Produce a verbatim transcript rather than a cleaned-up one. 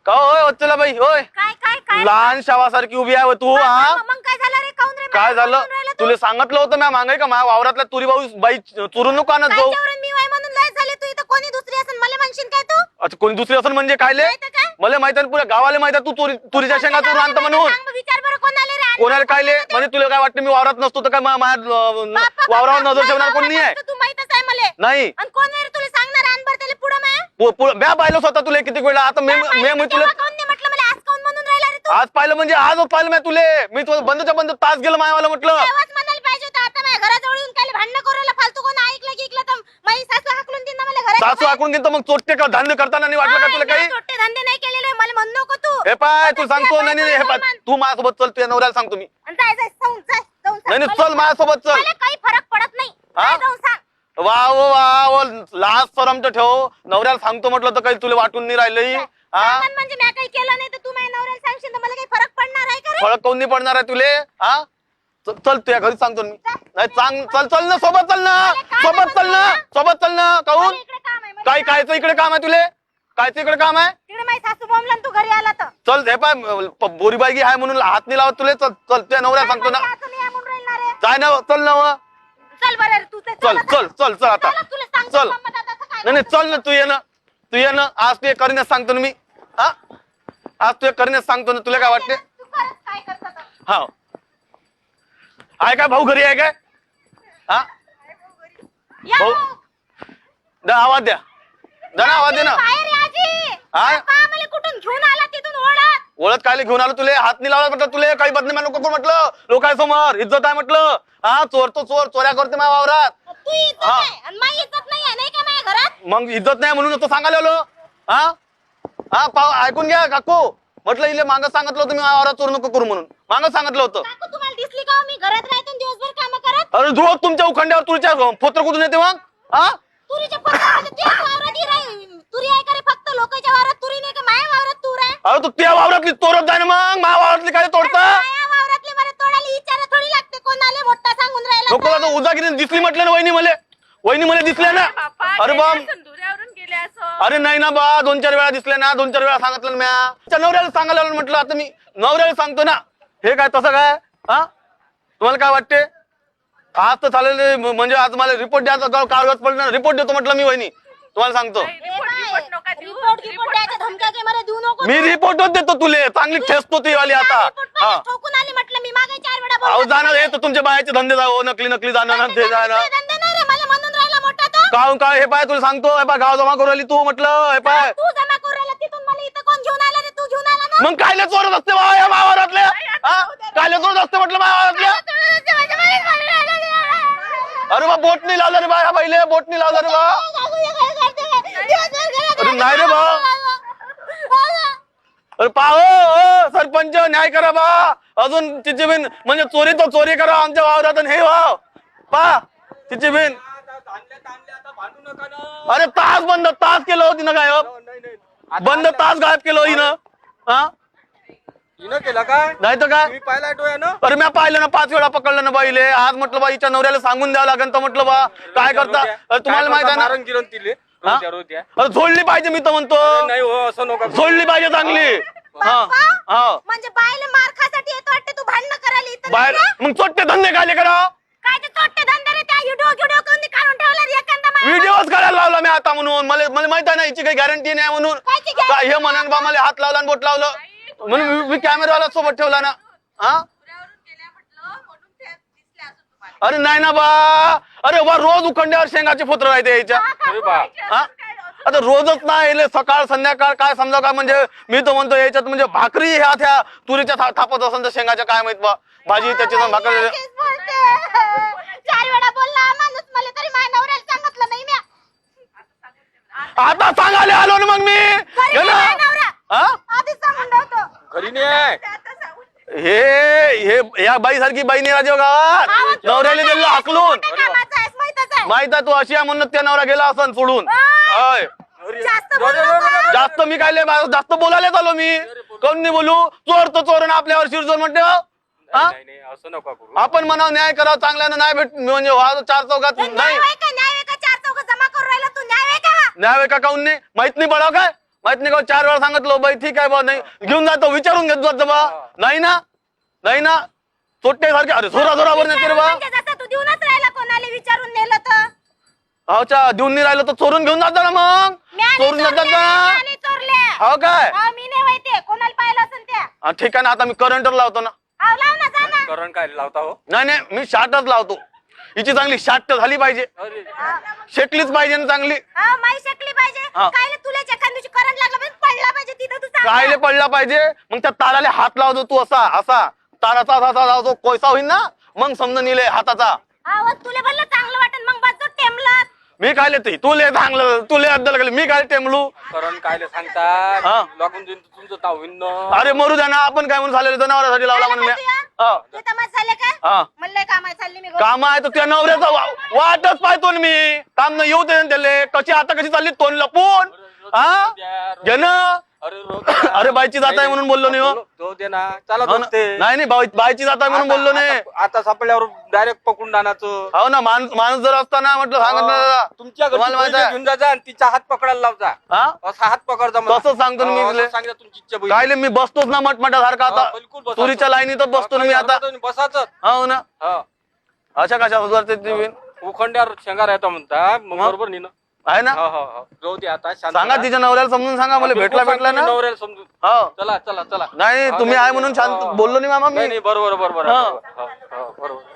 का होय चला बाई होय काय काय काय लहान शावासारखी उभी आहे तू हा मग काय झालं रे काऊन रे काय झालं तुला सांगितलं होतं मी मागे का माझ्या वावरातल्या तुरी भाऊ बाई चुरून नको आणत जाऊ मी वय म्हणून लय झाले तू इथं कोणी दुसरी असेल मला म्हणशील काय तू अच्छा कोणी दुसरी असेल म्हणजे कायले मला माहित आहे पुऱ्या गावाला माहित आहे तू तुरी तुरीच्या शेंगा चुरून आणतो म्हणून विचार बरं कोणाला रे कोणाला कायले म्हणजे तुला काय वाटतं मी वावरात नसतो तर काय माझ्या वावरावर नजर ठेवणार कोण नाही आहे तू माहितच आहे मला नाही आणि कोण रे तुला सांगणार आणबर त्याला पुढं मैं म्या पाहिलं स्वतः तुला किती वेळा आता मी मी तुला म्हटलं मला आज काऊन म्हणून राहिला रे तू आज पाहिलं म्हणजे आजच पाहिलं मी तुले मी तुला बंदच्या बंद तास गेलं मायावाला म्हटलं आवाज म्हणायला पाहिजे होता आता माझ्या घराजवळ येऊन काय भांडण करूला फालतू कोण ऐकलं की ऐकलं तर माझी सासू हाकलून देईन मला घरात सासू हाकून देईन तर मग चोट्टे का धंदे करताना नाही वाटलं का तुला काही चोट्टे धंदे नाही केलेले मला म्हणू नको तू हे पाय तू सांगतो नाही नाही हे पाय तू माझ्यासोबत चल तुझ्या नवऱ्याला सांगतो मी जाय जाय जाऊन जाय जाऊन नाही नाही चल माझ्यासोबत चल मला काही फरक पडत नाही जाऊन सांग वा वा वा लाज सरम तर ठेव नवऱ्याला सांगतो म्हटलं तर काही तुला वाटून नाही राहिलंय हा म्हणजे मी काही केलं नाही तर तू माझ्या नवऱ्याला सांगशील तर मला काही फरक पडणार आहे का फरक कोण नाही पडणार आहे तुले हा चल तुझ्या घरी सांगतो मी नाही चांग चल चल ना सोबत चल ना सोबत चल ना सोबत चल ना काहून काय कायचं इकडे काम आहे तुले कायचं इकडे काम आहे तिकडे माझी सासू बोंबला तू घरी आला तर चल हे पाय बोरीबाई आहे म्हणून हात नाही लावत तुले चल चल तुझ्या नवऱ्याला सांगतो ना काय ना चल ना चल बरं तू चल चल चल चल आता चल नाही नाही चल ना तू ये ना तू ये ना आज तू करीनच सांगतो ना मी हा आज तू करीनच सांगतो ना तुला काय वाटते हा आहे काय भाऊ घरी आहे काय हा भाऊ दा आवाज द्या दा ना आवाज दे ना कुठून घेऊन आला तिथून ओढत ओळख काय घेऊन आलो तुले हात नाही लावला म्हटलं तुले काही बदनामी नको करू म्हटलं लोकांसमोर इज्जत आहे म्हटलं हा चोर तो चोर चोऱ्या करते माझ्या वावरात मग इज्जत नाही म्हणून तो सांगायला आलो हा हा पाव ऐकून घ्या काकू म्हटलं इले मागं सांगितलं होतं मी वावरात चोर नको करू म्हणून मागं सांगितलं होतं तुम्हाला दिसली का मी घरात राहतो दिवसभर काम करत अरे रोज तुमच्या उखंड्यावर तुरीच्या फोत्र कुठून येते मग हा तुरीच्या तुरी आहे का रे फक्त लोकांच्या वावरात तुरी नाही का माझ्या वावरात तूर आहे अरे तू त्या वावरातली तोरत जाय ना मग माझ्या वावरातली काय तोडता वावरातली बरं तोडायला विचार थोडी लागते कोणाला मोठा सांगून राहिला लोक आता उजागिरी दिसली म्हटलं ना वहिनी मले वहिनी मला दिसल्या ना अरे बा अरे नाही ना बा दोन चार वेळा दिसले ना दोन चार वेळा सांगितलं म्या नवऱ्याला सांगायला म्हटलं आता मी नवऱ्याला सांगतो ना हे काय तसं काय हा तुम्हाला काय वाटते आज तर चालेल म्हणजे आज मला रिपोर्ट द्यायचा कागद पडलं रिपोर्ट देतो म्हटलं मी वहिनी तुम्हाला सांगतो मी रिपोर्टच देतो तुले चांगली ठेसतो ती वाली आता हा अहो जाणार हे तर तुमच्या बायाचे धंदे जाऊ नकली नकली जाणार ते जाणार काहून काय हे पाय तुला सांगतो हे पाय गाव जमा करू राहिली तू म्हटलं हे पाय मग कायले चोरत असते बा या मावारातल्या कायले चोरत असते म्हटलं मावारातल्या अरे बा बोट नाही लावलं रे बा या बाईले बोट नाही लावलं रे बा अरे नाही रे बा अरे पाहो सरपंच न्याय करा बा अजून तिची बिन म्हणजे चोरी तो चोरी करा आमच्या वावरात हे वाव पा तिची बिन अरे तास बंद तास केलं होती ना गायब बंद तास गायब केलं हिनं हा केला काय नाही तर काय पाहिला अरे मी पाहिलं ना पाच वेळा पकडलं ना बाईले आज म्हटलं बाईच्या नवऱ्याला सांगून द्यावं लागेल तर म्हटलं बा काय करता तुम्हाला माहित आहे ना अरे झोडली पाहिजे मी तर म्हणतो नाही हो असं नको झोडली पाहिजे चांगली म्हणजे बायले मार खासाठी येत वाटते तू भांडण करायला बाहेर मग चोट्टे धंदे कायले करा काय ते चोट्टे धंदे रे त्या व्हिडिओ व्हिडिओ कोणी काढून ठेवला एखादा व्हिडिओच काढायला लावला मी आता म्हणून मला मला माहित आहे ना याची काही गॅरंटी नाही म्हणून काय हे म्हणून बा मला हात लावला आणि बोट लावलं म्हणून मी कॅमेरावाला सोबत ठेवला ना हा अरे नाही ना बा अरे बा रोज उखंड्यावर शेंगाचे फोत्र राहते याच्या हा आता रोजच नाही सकाळ संध्याकाळ काय समजा काय म्हणजे मी तर म्हणतो याच्यात म्हणजे भाकरी ह्या त्या तुरीच्या थापत असेल तर शेंगाच्या काय माहित बा भाजी त्याची भाकर चार वेळा बोलला माणूस मला तरी माझ्या नवऱ्याला सांगितलं नाही मी आता सांगायला आलो ना मग मी घरी नाही हे हे या बाई सारखी बाई नाही राजे गावात नवऱ्याला दिलं हाकलून माहित आहे तू अशी आहे म्हणून त्या नवरा गेला असं सोडून जास्त मी काय जास्त बोलायला आलो मी कोण नाही बोलू चोर तो चोर आपल्यावर शिरचोर म्हणते असं नको करू आपण म्हणा न्याय करा चांगल्यानं नाही भेट म्हणजे चार चौकात नाही न्याय का काऊन नाही माहित नाही पडाव काय माहित नाही का चार वेळा सांगितलं बाई ठीक आहे बा नाही घेऊन जातो विचारून घेत जात बा नाही ना नाही ना चोट्टे सारखे अरे जोरा जोरावर नेते रे बा म्हणजे जसं तू देऊनच राहिला कोणाला विचारून नेलं तर अच्छा देऊन नाही राहिलं तर चोरून घेऊन जाता ना मग मी आणि चोरून जातात चोरल्या, ना मी आणि चोरल्या. हो काय हा, मी नाही माहिती कोणाला पाहिलं असेल त्या हा, ठीक आहे ना आता मी करंटर लावतो ना हाव, लाव ना जा ना करण काय लावता हो नाही नाही मी शाटच लावतो हिची चांगली शाट झाली पाहिजे अरे शेकलीच पाहिजे ना चांगली हा माई शकली पाहिजे हा. कायले तुला एखाद्या करंट लागला पाहिजे पडला पाहिजे तिथं तू चांगला. कायले पडला पाहिजे मग त्या ताराले हात लावतो तू असा असा ताराचा असा लावतो कोयसा होईल ना मग समजून येईल हाताचा हा व तुला बोललं चांगलं वाटन मग बस टेमलं मी काय ते तुले चांगलं तुले अद्दल गेले मी काय टेमलू करण कायले हा. सांगता लागून देईन तुमचं ताव होईन ना. अरे मरू द्या ना आपण काय म्हणून झालेलं जनावरांसाठी लावला म्हणून मी. हा. तू तमाश झाले का हा म्हणलं कामाला चालली मी घरी. काम आहे तर त्या नवऱ्याचा वा- वाटच पाहतो ना मी काम न येऊ दे ना त्याले कशी आता कशी चालली तोंड लपून हा घे ना अरे रोज- अरे बाईची जात आहे म्हणून बोललो नाही हो. तो दे ना चला हो ना. दोस्ते. नाही नाही बाई- बाईची जात आहे म्हणून आता- बोललो नाही आता- आता सापडल्यावर डायरेक्ट पकडून आणायचं हो ना माणूस माणूस जर असताना म्हटलं सांगत ना दादा. तुमच्या घरी तुम्हाला माहित आहे? घेऊन जा आणि तिचा हात पकडायला लावजा हा असा हात पकडजा मला. तसंच सांगतो ना मी हो, तुले. असं सांगितलं तुमची इच्छा बैल. काय मी बसतोच ना मटमटासारखा हा, आता बिलकुल बसायचं. तुरीच्या लाईनीतच बसतो ना मी आता बसाच हो ना अशा कशा सुधारते ती बिन? उखंड्यावर शेंगा राहता म्हणता मग हा. बरोबर नाही ना आहे ना हो, हो, हो. जाऊ दे आता शांत सांगा राहा. तिच्या नवऱ्याला समजून सांगा मला बिलकुल भेटला भेटला सांगतो ना मी नवऱ्याला समजून हो चला चला चला नाही हा, तुम्ही नाही, आहे म्हणून हो, शांत हो. बोललो नाही मामा नाही मी नाही बरोबर बरोबर हा. बरोबर. हो, हो, बरोबर